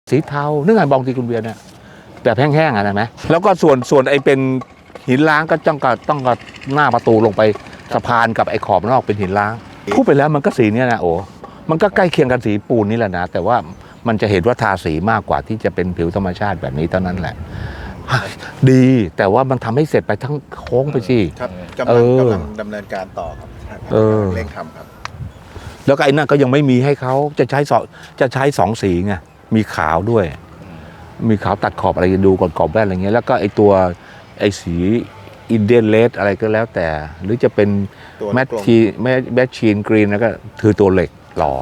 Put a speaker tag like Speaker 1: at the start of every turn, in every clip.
Speaker 1: สีเทานึกไงบองตีคุณเบียร์เนี่ยแบบแห้งๆอ่ะนะไหมแล้วก็ส่วนไอ้เป็นหินล้างก็ต้องกับหน้าประตูลงไปสะพานกับไอ้ขอบนอกเป็นหินล้างพูดไปแล้วมันก็สีเนี่ยนะโอ้มันก็ใกล้เคียงกันสีปูนนี่แหละนะแต่ว่ามันจะเห็นว่าทาสีมากกว่าที่จะเป็นผิวธรรมชาติแบบนี้เท่านั้นแหละดีแต่ว่ามันทำให้เสร็จไปทั้งโค้งไปสิ
Speaker 2: ครับกำลังดำเนินการต่อครับเร่งทำครับ
Speaker 1: แล้วก็ไอ้นั่นก็ยังไม่มีให้เขาจะใช้สองสีไงมีขาวด้วยมีขาวตัดขอบอะไรดูก่อนขอบแว่นอะไรเงี้ยแล้วก็ไอ้ตัวไอ้สีอินเดียนเลดอะไรก็แล้วแต่หรือจะเป็นแมทชีนกรีนแล้วก็คือตัวเหล็กหล่อ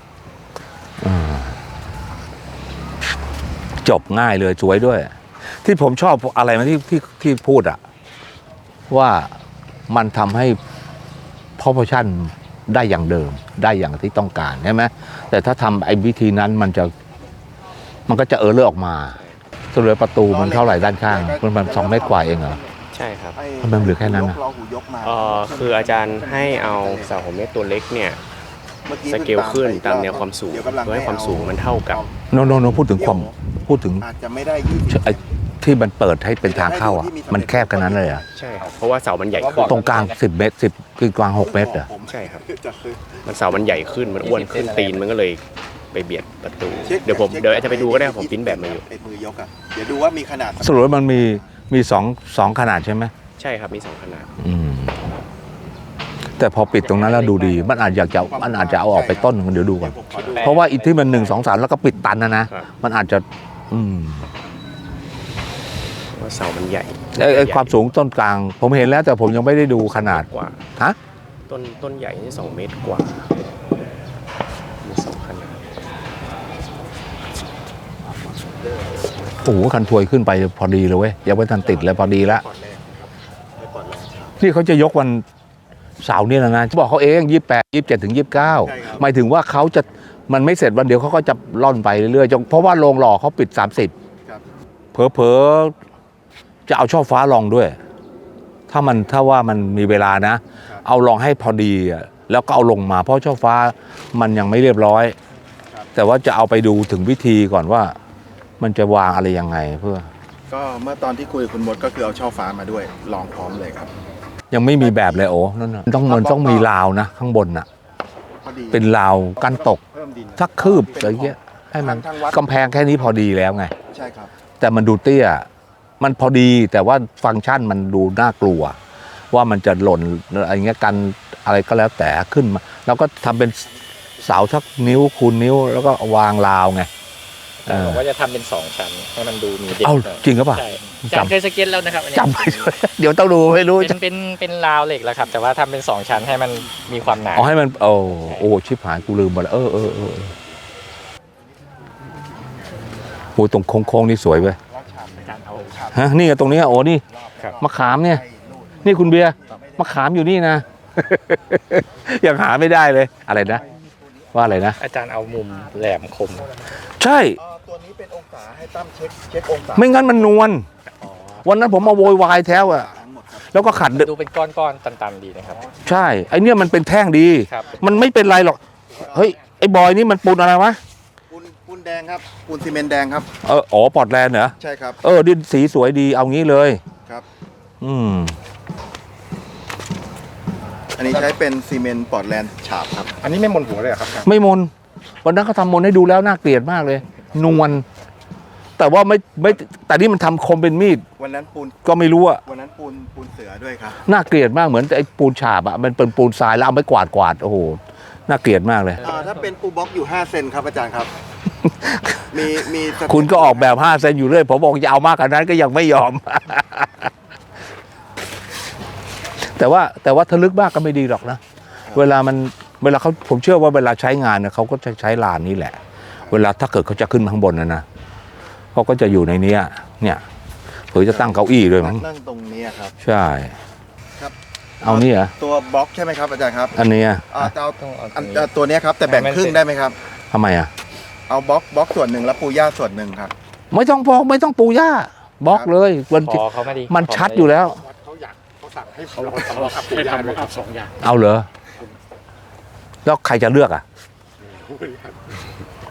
Speaker 1: จบง่ายเลยสวยด้วยที่ผมชอบอะไรมาที่พูดอะว่ามันทำให้proportionได้อย่างเดิมได้อย่างที่ต้องการใช่ไหมแต่ถ้าทำไอ้วิธีนั้นมันก็จะเลือออกมาส่วนประตูมันเท่าไหร่ด้านข้างมัน2 เมตรกว่าเองเหรอ
Speaker 3: ใช่ครับ
Speaker 1: ทำไมเหลือแค่นั้นอ่ะ
Speaker 3: คืออาจารย์ให้เอาเสา6 เมตรตัวเล็กเนี่ยสเกลขึ้นตามแนวความสูงเพื่อให้ความสูงมันเท่ากับ
Speaker 1: โนพูดถึง
Speaker 2: อาจจะไม่ได้
Speaker 1: ที่มันเปิดให้เป็นทางเข้าอ่ะมันแคบขนาดนั้นเลยอ่ะ
Speaker 3: ใช่ครับเพราะว่าเสามันใหญ่ขึ้น
Speaker 1: ตรงกลาง10 เมตรคือกลาง6 เมตรอ่ะ
Speaker 3: ใช่ครับมันเสามันใหญ่ขึ้นมันอ้วนขึ้นตีนมันก็เลยไปเบียดประตูเดี๋ยวอาจจะไปดูก็ได้ผมพิมพ์แบบมาอยู่
Speaker 2: มือยกอ่ะเดี๋ยวดูว่ามีขนาด
Speaker 1: สรุปว่ามันมีสองขนาดใช่ไหม
Speaker 3: ใช่ครับมี2 ขนาด
Speaker 1: แต่พอปิดตรงนั้นแล้วดูดีมันอาจจะเอาออกไปต้นนึงเดี๋ยวดูก่อนเพราะว่าอีกที่มัน1 2 3แล้วก็ปิดตันนะมันอาจจะ
Speaker 3: ว่าเสามันใหญ่
Speaker 1: ความสูงต้นกลางผมเห็นแล้วแต่ผมยังไม่ได้ดูขนาด
Speaker 3: กว่า
Speaker 1: ฮะ
Speaker 3: ต้นใหญ่นี่2 เมตรกว่ามี2 ขนาด
Speaker 1: โอ้โหคันถวยขึ้นไปพอดีเลยเว้ยยังไม่ทันติดเลยพอดีแล้วนี่เขาจะยกวันเสาร์นี่แล้วนะบอกเขาเอง28 27 ถึง 29หมายถึงว่ามันไม่เสร็จวันเดียวเขาก็จะล่อนไปเรื่อยๆเพราะว่าโรงหล่อเขาปิด30เผลอจะเอาช่อฟ้าลองด้วยถ้าว่ามันมีเวลานะเอาลองให้พอดีแล้วก็เอาลงมาเพราะช่อฟ้ามันยังไม่เรียบร้อยแต่ว่าจะเอาไปดูถึงวิธีก่อนว่ามันจะวางอะไรยังไงเพื่อ
Speaker 2: ก็เมื่อตอนที่คุยกับคุณมดก็คือเอาช่อฟ้ามาด้วยลองพร้อมเลยครับ
Speaker 1: ยังไม่มีแบบเลยโอ้นั่นน่ะต้องมีราวนะข้างบนน่ะเป็นราวกันตกสักคืบอะไรเงี้ยให้มันกำแพงแค่นี้พอดีแล้วไง
Speaker 2: ใช่ครับ
Speaker 1: แต่มันดูเตี้ยมันพอดีแต่ว่าฟังก์ชันมันดูน่ากลัวว่ามันจะหล่นอะไรเงี้ยกันอะไรก็แล้วแต่ขึ้นมาแล้วก็ทำเป็นเสาสักนิ้วคูณนิ้วแล้วก็วางราวไง
Speaker 3: บอกว่าจะทำเป็น2 ชั้นให้มันดูมีเด็ก
Speaker 1: จริงหรือเปล่า
Speaker 3: จำเคยสเก็ตแล้วนะครับ
Speaker 1: จำไม่ได้เดี๋ยวต้องดูไม่รู้
Speaker 3: เป็นราวเหล็กแล้วครับแต่ว่าทำเป็น2 ชั้นให้มันมีความหนา
Speaker 1: ให้มันโอ้ชิบหายกูลืมไปแล้วโอ้ตรงโค้งนี่สวยเว้ยฮะนี่ตรงนี้โอ้นี่มะขามเนี่ยนี่คุณเบียร์มะขามอยู่นี่นะยังหาไม่ได้เลยอะไรนะว่าอะไรนะ
Speaker 3: อาจารย์เอามุมแหลมคม
Speaker 1: ใช่
Speaker 2: ตัวนี้เป็นองศาให้ตั้มเช็คองศา
Speaker 1: ไม่งั้นมันนวลวันนั้นผมมาโวยวายแท้อ่ะแล้วก็ขัด
Speaker 3: ดูเป็นก้อนๆตันๆดีนะครับ
Speaker 1: ใช่ไอเนี้ยมันเป็นแท่งดีมันไม่เป็นไรหรอกเฮ้ยไอบอยนี่มันปูนอะไรวะ
Speaker 2: ปูนแดงครับปูนซีเมนต์แดงครับ
Speaker 1: ปอร์ตแลนด์เหรอ
Speaker 2: ใช่ครับ
Speaker 1: ดินสีสวยดีเอางี้เลย
Speaker 2: ครับอันนี้ใช้เป็นซีเมนต์ปอร์ตแลนด์ฉาบครับอันนี้ไม่มนหัวเลยครับ
Speaker 1: ไม่มนวันนั้นเขาทำมนให้ดูแล้วน่าเกลียดมากเลยนวลแต่ว่าไม่แต่นี่มันทำคมเป็นมีด
Speaker 2: วันนั้นปูน
Speaker 1: ก็ไม่รู้อะ
Speaker 2: วันนั้นปูนเสือด้วยครับ
Speaker 1: น่าเกลียดมากเหมือนไอ้ปูนฉาบอะมันเป็นปูนทรายแล้วเอาไปกวาดโอ้โหน่าเกลียดมากเลย
Speaker 2: ถ้าเป็นปูบล็อกอยู่5 เซนครับอาจารย์ครับมี
Speaker 1: คุณก็ออกแบบ5 เซนอยู่เรื่อยผมบอกจะเอามากกว่านั้นก็ยังไม่ยอม แต่ว่าถ้าลึกมากก็ไม่ดีหรอกนะเวลาเขาผมเชื่อว่าเวลาใช้งานเนี่ยเขาก็จะใช้ลานนี้แหละเวลาถ้าเกิดเขาจะขึ้นข้างบนนะเขาก็จะอยู่ในนี้เนี่ยเผื่อจะตั้งเก้าอี้ด้วยมั้ง
Speaker 2: นั่งตรงนี้ครับ
Speaker 1: ใช่ครับเอานี่เหรอ
Speaker 2: ตัวบล็อกใช่ไหมครับอาจารย์ครับ
Speaker 1: อันนี้
Speaker 2: จะเอาตัวนี้ครับแต่แบ่งครึ่งได้ไหมครับ
Speaker 1: ทำไม
Speaker 2: เอาบล็อกส่วนหนึ่งแล้วปูหญ้าส่วนหนึ่งครับ
Speaker 1: ไม่ต้องปูหญ้าบล็อกเลยมันชัดอยู่แล้ว
Speaker 2: เขาสั่งให้เขาทำครับ2 อย่าง
Speaker 1: เอาเหรอแล้วใครจะเลือก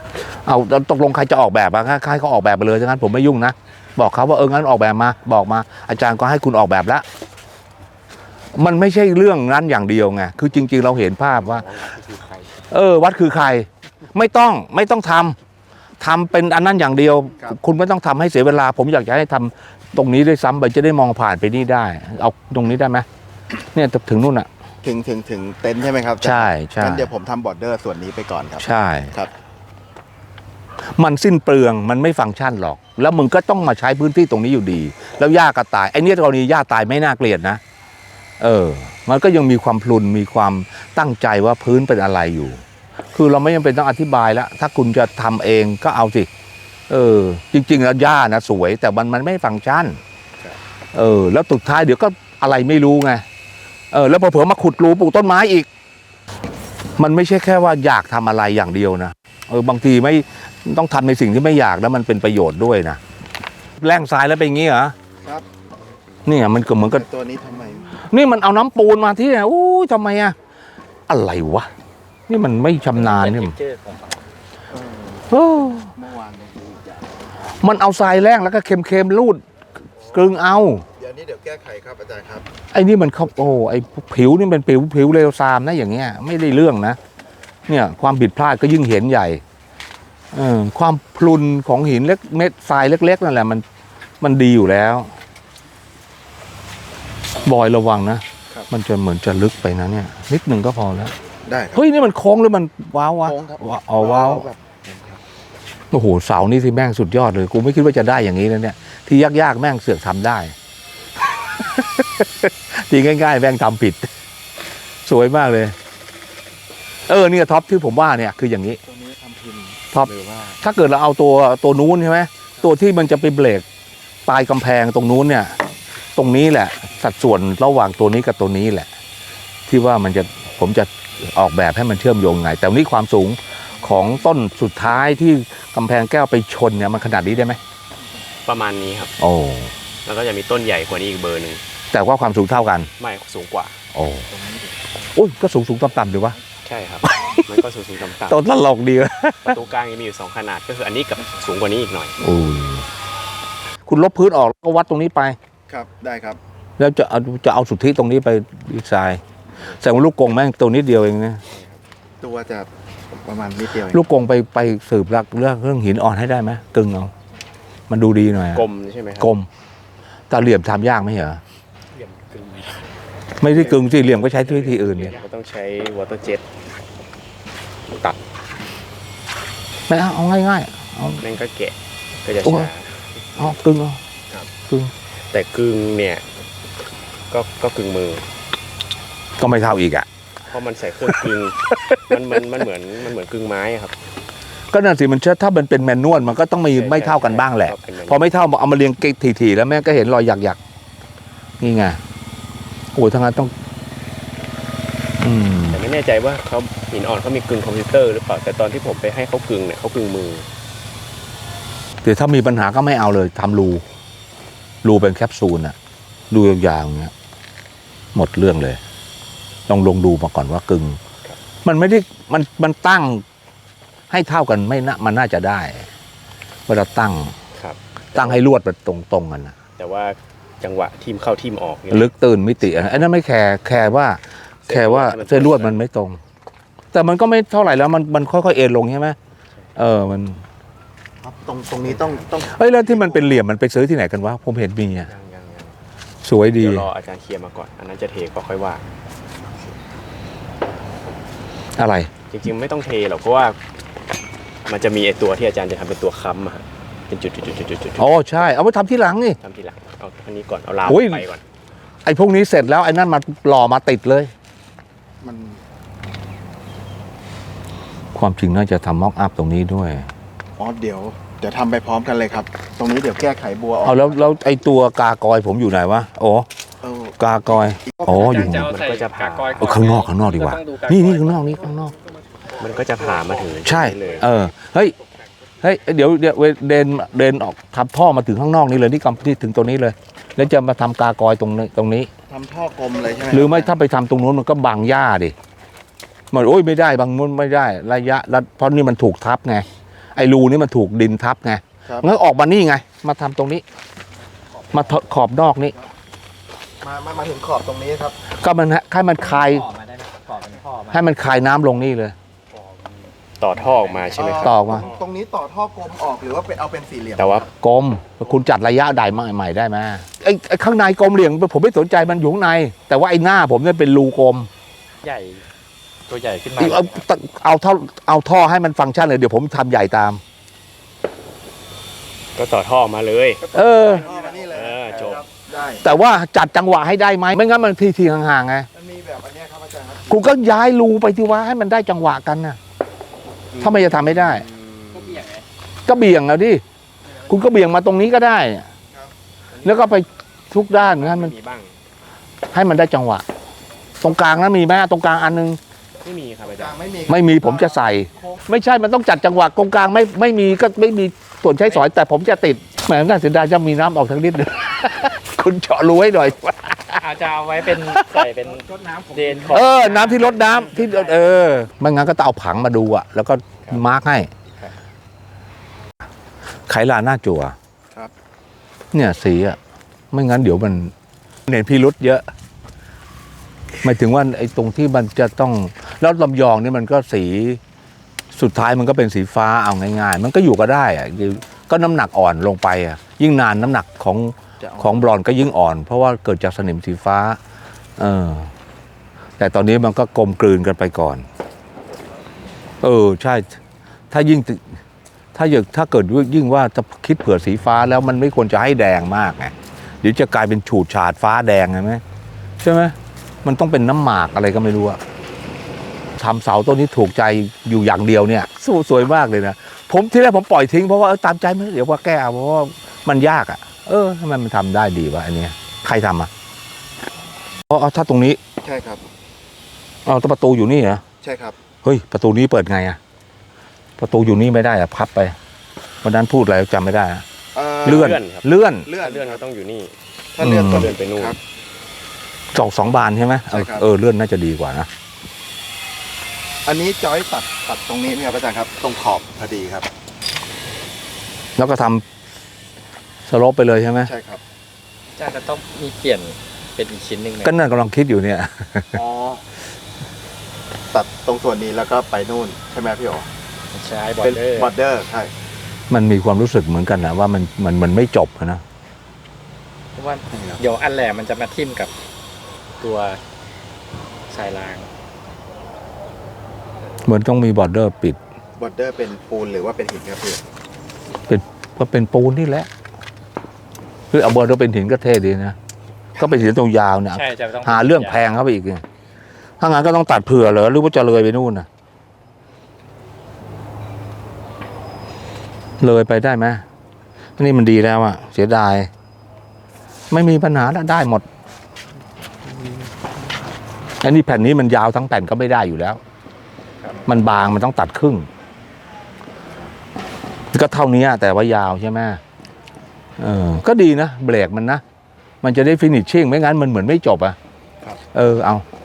Speaker 1: เอาตกลงใครจะออกแบบอะใครเขาออกแบบไปเลยฉะนั้นผมไม่ยุ่งนะบอกเขาว่างั้นออกแบบมาบอกมา อาจารย์ก็ให้คุณออกแบบแล้วมันไม่ใช่เรื่องนั้นอย่างเดียวไงคือจริง ๆ เราเห็นภาพว่า วัดคือใครไม่ต้องทำเป็นอันนั้นอย่างเดียว คุณไม่ต้องทำให้เสียเวลา ผมอยากจะให้ทำตรงนี้ด้วยซ้ำไปจะได้มองผ่านไปนี่ได้ เอาตรงนี้ได้ไหมเนี่ยถึงนู่นอ่ะ
Speaker 2: ถึงเต็นท์ใช่ไหมครับ
Speaker 1: ใช่
Speaker 2: งั้นเดี๋ยวผมทำบอร์เดอร์ส่วนนี้ไปก่อนครับ
Speaker 1: ใช่
Speaker 2: ครับ
Speaker 1: มันสิ้นเปลืองมันไม่ฟังก์ชันหรอก แล้วมึงก็ต้องมาใช้พื้นที่ตรงนี้อยู่ดี แล้วหญ้าก็ตายไอ้เนี่ยกรณีหญ้าตายไม่น่าเกลียดนะมันก็ยังมีความพลุนมีความตั้งใจว่าพื้นเป็นอะไรอยู่ คือเราไม่จำเป็นต้องอธิบายแล้วถ้าคุณจะทำเองก็เอาสิจริงๆแล้วหญ้านะสวยแต่มันไม่ฟังก์ชันแล้วสุดท้ายเดี๋ยวก็อะไรไม่รู้ไงแล้วเผลอๆมาขุดรูปลูกต้นไม้อีก มันไม่ใช่แค่ว่าอยากทำอะไรอย่างเดียวนะบางทีไม่ต้องทำในสิ่งที่ไม่อยากแล้วมันเป็นประโยชน์ด้วยนะแร่งทรายแล้วเป็นอย่างงี้เหรอ
Speaker 2: ครับ
Speaker 1: เนี่ยมันก็เหมือนกับ
Speaker 2: ตัวนี้ทำไม
Speaker 1: นี่มันเอาน้ำปูนมาที่เนี่ยอู้ทำไมอะอะไรวะนี่มันไม่ชำนาญเนี่ยเออ
Speaker 2: เมื่อวานยังดูอีกอย่าง
Speaker 1: มันเอาทรายแร่งแล้วก็เค็มๆรูดกลึงเอา
Speaker 2: เดี๋ยวนี้เดี๋ยวแก้ไขครับอาจารย์ครับ
Speaker 1: ไอ้นี่มันเขาไอ้ผิวนี่เป็นผิวเลวทรามนะอย่างเงี้ยไม่ได้เรื่องนะเนี่ยความผิดพลาดก็ยิ่งเห็นใหญ่ความพลุนของหินเล็กเม็ดทรายเล็กๆนั่นแหละมันดีอยู่แล้วบอยระวังนะมันจะเหมือนจะลึกไปนะเนี่ยนิดหนึ่งก็พอแล้ว
Speaker 2: ได้ครับ
Speaker 1: เฮ้ยนี่มันโค้งหรือมันว้าววะ
Speaker 2: โค้งครับ
Speaker 1: ว้าว
Speaker 2: แบบ
Speaker 1: โอ้โหเสานี่ที่แม่งสุดยอดเลยกูไม่คิดว่าจะได้อย่างนี้นะเนี่ยที่ยากๆแม่งเสือกทำได้ ทีง่ายๆแม่งทำผิด สวยมากเลยเนี่ยท็อปที่ผมว่าเนี่ยคืออย่างนี้
Speaker 2: ตัวนี้ทำพิมพ์
Speaker 1: ท็อป
Speaker 2: หรือว่า
Speaker 1: ถ้าเกิดเราเอาตัวนู้นใช่ไหมตัวที่มันจะไปเบรกปลายกำแพงตรงนู้นเนี่ย ตรงนี้แหละ สัดส่วนระหว่างตัวนี้กับตัวนี้แหละ ที่ว่าผมจะออกแบบให้มันเชื่อมโยงไง แต่วันนี้ความสูงของต้นสุดท้ายที่กำแพงแก้วไปชนเนี่ยมันขนาดนี้ได้ไหม
Speaker 3: ประมาณนี้ครับ
Speaker 1: โอ้
Speaker 3: แล้วก็จะมีต้นใหญ่กว่านี้อีกเบอร์หนึ่ง
Speaker 1: แต่ว่าความสูงเท่ากัน
Speaker 3: ไม่สูงกว่า
Speaker 1: โอ้อุ้ยก็สูงต่ำๆดีวะ
Speaker 3: ใช่ครับ มันก็สูงต่ำ
Speaker 1: ต้นตลกดีวะ
Speaker 3: ๆประตูกลางยังมีอยู่2ขนาดก็คืออันนี้กับสูงกว่านี้อีกหน่อย
Speaker 1: โอ้ยคุณลบพื้นออกแล้วก็วัดตรงนี้ไป
Speaker 2: ครับได้ครับ
Speaker 1: แล้วจะเอาสุทธิตรงนี้ไปดีไซน์แต่ว่าลูกกงแม่งตัวนิดเดียวเองนะ
Speaker 2: ตัวจะประมาณนิดเดียวเอง
Speaker 1: ลูกกงไปสืบรักเรื่องหินอ่อนให้ได้ไหมกึ่งเอามันดูดีหน่อยอะ
Speaker 3: กลมใช่ไหมครั
Speaker 1: กลมแต่เหลี่ยมทำยากไหมเหรอ
Speaker 3: เหลี่ยมกึ่ง
Speaker 1: ไม่ได้กึ่งสิเหลี่ยมก็ใช้วิธีอื่นเนี่ย
Speaker 3: ก็ต้องใช้วอเตอร์เจ็ตตัด
Speaker 1: ไม่เอาง่ายๆเอา
Speaker 3: นั่นก็แกะก็จะ
Speaker 1: โอ้ย
Speaker 3: ช้า
Speaker 1: เอากึ่งเอา
Speaker 3: ครับ
Speaker 1: กึ่ง
Speaker 3: แต่กึ่งเนี่ยก็กึ่งมือ
Speaker 1: ก็ไม่เท่าอีกอ่ะ
Speaker 3: เพราะมันใส่เครื่องกึ่ง มันเหมือนกึ่งไม้อะครับ
Speaker 1: ก็นั่นสิมันถ้ามันเป็นแมนนวลมันก็ต้องมีไม่เท่ากันบ้างแหละ
Speaker 3: ใช่เป็น
Speaker 1: พอไม่เท่าเอามาเรียงถี่ๆแล้วแม่ก็เห็นรอยหยักๆนี่ไงโอ้ยทั้งนั้นต้อง
Speaker 3: แต่ไม่แน่ใจว่าเขาหินอ่อนเขามีกึ่งคอมพิวเตอร์หรือเปล่าแต่ตอนที่ผมไปให้เขากึ่งเนี่ยเขากึ่งมือ
Speaker 1: เดี๋ยวถ้ามีปัญหาก็ไม่เอาเลยทำรูเป็นแคปซูลอะรูยาวๆอย่างเงี้ยหมดเรื่องเลยลองดูมาก่อนว่ากึ่งมันไม่ได้มันตั้งให้เท่ากันไม่น่ามันน่าจะได้เวลาตั้ง
Speaker 3: ครับ
Speaker 1: ตั้งให้ลวดมันตรงกันนะ
Speaker 3: แต่ว่าจังหวะทีมเข้าทีมออกเนี่ย
Speaker 1: ลึกตื่นมิติอันนั้นไม่แคร์ว่าเส้นลวดมันไม่ตรง แต่มันก็ไม่เท่าไหร่แล้วมันค่อยๆเอ็นลงใช่ไหมมัน
Speaker 2: ครับตรงนี้ต้อง
Speaker 1: เฮ้ยแล้วที่มันเป็นเหลี่ยมมันไปซื้อที่ไหนกันวะผมเห็นมีอ่ะ
Speaker 3: ยัง
Speaker 1: สวยดี
Speaker 3: เดี๋ยวรออาจารย์เคลียร์มาก่อนอันนั้นจะเทก็ค่อยว่า
Speaker 1: อะไร
Speaker 3: จริงๆไม่ต้องเทหรอกเพราะว่ามันจะมีไอตัวที่อาจารย์จะทำเป็นตัวค้ำอะฮะเป็นจุด
Speaker 1: อ๋อใช่เอาไปทำที่หลังนี่
Speaker 3: ทำทีหลังเอาอันนี้ก่อนเอาราว
Speaker 1: โอ้ย
Speaker 3: ไปก่อน
Speaker 1: ไอ้พวกนี้เสร็จแล้วไอ้นั่นมาหล่อมาติดเลย
Speaker 2: มัน
Speaker 1: ความจริงน่าจะทำม็อกอัพตรงนี้ด้วย
Speaker 2: อ๋อเดี๋ยวทำไปพร้อมกันเลยครับ ตรงนี้เดี๋ยวแก้ไขบัวออก
Speaker 1: เอาแล้วไอ้ตัวกากอยผมอยู่ไหนวะโอ้
Speaker 2: เออก
Speaker 1: ากอยอ๋ออยู่
Speaker 3: มันก็จะผ่า
Speaker 1: ข้างนอกดีกว่านี่ข้างนอกนี่ข้างนอก
Speaker 3: มันก็จะผ่ามาถึง
Speaker 1: ใช่
Speaker 3: เลย
Speaker 1: เฮ้ยเดี๋ยวเดินออกทำท่อมาถึงข้างนอกนี่เลยนี่กำที่ถึงตัวนี้เลย แล้วจะมาทำกากอยตรงนี้
Speaker 2: ทำท่อกลมเลยใช่ไหม
Speaker 1: หรือไม่ถ้าไปทำตรงนู้นมันก็บังหญ้าดิมันโอ้ยไม่ได้บางนู้นไม่ได้ระยะเพราะนี่มันถูกทับไงไอ้รูนี่มันถูกดินทับไง
Speaker 2: ครับ
Speaker 1: งั้นออกมานี่ไง มาทำตรงนี้ มาขอบนอกนี้
Speaker 2: มาถึงขอบตรงนี้ครับ
Speaker 1: ก็มันให้มันคาย
Speaker 4: ต่อมาได้ไหมต่อเป็นท่อมา
Speaker 1: ให้มันคายน้ำลงนี่เลย
Speaker 3: ต่อท่อออกมาใช่ไหมครับ
Speaker 1: ต่อมา
Speaker 2: ตรงนี้ต่อท่อกลมออกหรือว่าเป็นเอาเป็นสี่เหลี่ยม
Speaker 3: แต่ว่า
Speaker 1: กลมคุณจัดระยะใดใหม่ได้ไหมไอ้ข้างในกลมเหลี่ยมผมไม่สนใจมันอยู่ข้างใน แต่ว่าไอ้หน้าผมเนี่ยเป็นรูกลม
Speaker 4: ใหญ่ตัวใหญ่ขึ้นมา
Speaker 1: เอาท่อให้มันฟังก์ชันเลยเดี๋ยวผมทำใหญ่ตาม
Speaker 3: ก็ต่อท่อออกมาเลย
Speaker 1: เออ
Speaker 2: ท่อมานี่เลย
Speaker 3: จบ
Speaker 2: ครับได้
Speaker 1: แต่ว่าจัดจังหวะให้ได้ไหมไม่งั้นมันทีห่างๆไง
Speaker 2: มันมีแบบอันเนี้ยครับอาจารย์ครับ
Speaker 1: คุณก็ย้ายรูไปที่ว่าให้มันได้จังหวะกันนะถ้าไม่จะทำไม่ได้
Speaker 4: ก็เบี่ยงไง
Speaker 1: ก็เบี่ยงเอาดิคุณก็เบี่ยงมาตรงนี้ก็ได้ แล้วก็ไปทุกด้านให้มัน
Speaker 3: มีบ้าง
Speaker 1: ให้มันได้จังหวะ ตรงกลางนั้นมีไหมตรงกลางอันนึง
Speaker 3: ไม่มีครับอา
Speaker 2: จา
Speaker 3: จาง รย์
Speaker 1: ไม่มีผมจะใส่ ไม่ใช่มันต้องจัดจังหวะตรงกลางไม่มีก็ไม่มีส่วนใช้สอยแต่ผมจะติดแหมน่าเสียดายจะมีน้ำออกทั้งนิดนึง คุณเจาะรูให้หน่อย
Speaker 4: อาจจะเอาไว้เป็นใส่เป็นเดนขอบ
Speaker 1: น้ำที่รดน้ำที่ไม่งั้นก็ต้องเอาผังมาดูอะแล้วก็มาร์กให้ไขลาหน้าจั่ว
Speaker 2: ครับ
Speaker 1: เนี่ยสีอะไม่งั้นเดี๋ยวมันเห็นพิรุษเยอะหมายถึงว่าไอ้ตรงที่มันจะต้องแล้วลำยองนี่มันก็สีสุดท้ายมันก็เป็นสีฟ้าเอาง่ายๆ มันก็อยู่ก็ได้อะก็น้ำหนักอ่อนลงไปอะยิ่งนานน้ำหนักของบลอนด์ก็ยิ่งอ่อน เพราะว่าเกิดจากสนิมสีฟ้า แต่ตอนนี้มันก็กลมกลืนกันไปก่อน ใช่ ถ้าเกิดยิ่งว่าจะคิดเผื่อสีฟ้าแล้วมันไม่ควรจะให้แดงมากไงเดี๋ยวจะกลายเป็นฉูดฉาดฟ้าแดงใช่ไหมใช่ไหมมันต้องเป็นน้ำหมากอะไรก็ไม่รู้อะทำเสาต้นนี้ถูกใจอยู่อย่างเดียวเนี่ยสวยมากเลยนะผมที่แรกผมปล่อยทิ้งเพราะว่าตามใจมันเดี๋ยวว่าแก้เอาเพราะว่ามันยากอะทำไมมันทำได้ดีวะอันเนี้ยใครทำอะเอาถ้าตรงนี้
Speaker 2: ใช่ครับ
Speaker 1: เอาแต่ประตูอยู่นี่เหรอ
Speaker 2: ใช่ครับ
Speaker 1: เฮ้ยประตูนี้เปิดไงอะประตูอยู่นี่ไม่ได้อะพับไปวันนั้นพูดอะไรจำไม่ได้อะเลื่อน
Speaker 3: ครับ
Speaker 1: เลื่อน
Speaker 2: เลื่อน
Speaker 3: เลื่อนก็ต้องอยู่นี่
Speaker 2: ถ้าเลื่อน
Speaker 1: อืม
Speaker 2: ต้อง
Speaker 3: เลื่อนไปนู่น
Speaker 2: ครับ
Speaker 1: สองบานใช่ไหม
Speaker 2: ใช่ครับ
Speaker 1: เลื่อนน่าจะดีกว่านะ
Speaker 2: อันนี้จอยตัดตรงนี้นี่ครับอาจารย์ครับ ตรงขอบพอดีครับ
Speaker 1: แล้วก็ทำสโลปไปเลยใช่ไหม
Speaker 2: ใช่ครับ
Speaker 4: อาจารย์จะต้องมีเปลี่ยนเป็นอีกชิ้นหนึ่งไหม
Speaker 1: ก็นั่นกำลังคิดอยู่เนี่ย
Speaker 2: อ๋อ ตัดตรงส่วนนี้แล้วก็ไปนู่นใช่ไหมพี่โอ
Speaker 4: ใช้บอ
Speaker 2: เป็
Speaker 4: ร์
Speaker 2: น
Speaker 4: เดอร์
Speaker 2: บอร์เดอร์ใช่
Speaker 1: มันมีความรู้สึกเหมือนกันนะว่ามันไม่จบนะ
Speaker 4: เพราะว่าเดี๋ยวอันแหลมมันจะมาทิ่มกับตัวสายราง
Speaker 1: เหมือนต้องมีบอร์เดอร์ปิด
Speaker 2: บอร์เดอร์เป็นปูนหรือว่าเป็นหินครับพี่
Speaker 1: ก็เป็นปูนนี่แหละคือเอาบอร์เดอร์เป็นหินก็เท่ดีนะก็เป็นหินตรงยาวเนี่ย
Speaker 4: ใช่จะต้อง
Speaker 1: หาเรื่องแพงเข้าไปอีกไงถ้างั้นก็ต้องตัดเผื่อเหรอหรือว่าจะเลยไปนู่นน่ะ เลยไปได้ไหมนี่มันดีแล้วอะเสียดาย ไม่มีปัญหาแล้วได้หมดอันนี้แผ่นนี้มันยาวทั้งแผ่นก็ไม่ได้อยู่แล้ว มันบางมันต้องตัดครึ่ง ก็เท่านี้แต่ว่ายาวใช่ไหมก็ดีนะเบรกมันนะ มันจะได้ฟินิชชิ่งไม่งั้นมันเหมือนไม่จบอะ
Speaker 2: ครับ
Speaker 1: เอา